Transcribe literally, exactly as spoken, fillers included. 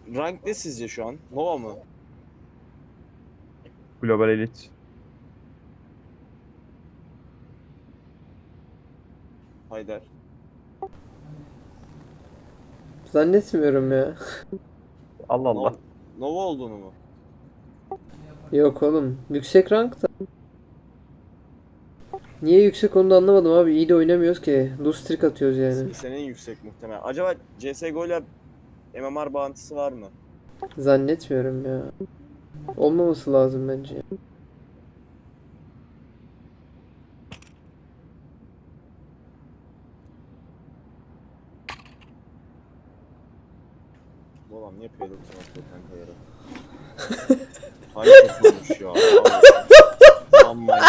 rank ne sizce şu an? Nova mı? Global Elite. Haydar. Zannetmiyorum ya. Allah Allah. Nova, Nova olduğunu mu? Yok oğlum. Yüksek rank da. Niye yüksek onu da anlamadım abi. İyi de oynamıyoruz ki. Loose streak atıyoruz yani. Senin yüksek muhtemelen. Acaba C S G O ile M M R bağıntısı var mı? Zannetmiyorum ya. Olmaması lazım bence. Bu adam niye payload atıyor kanka yere? Harika kurmuş ya. Aman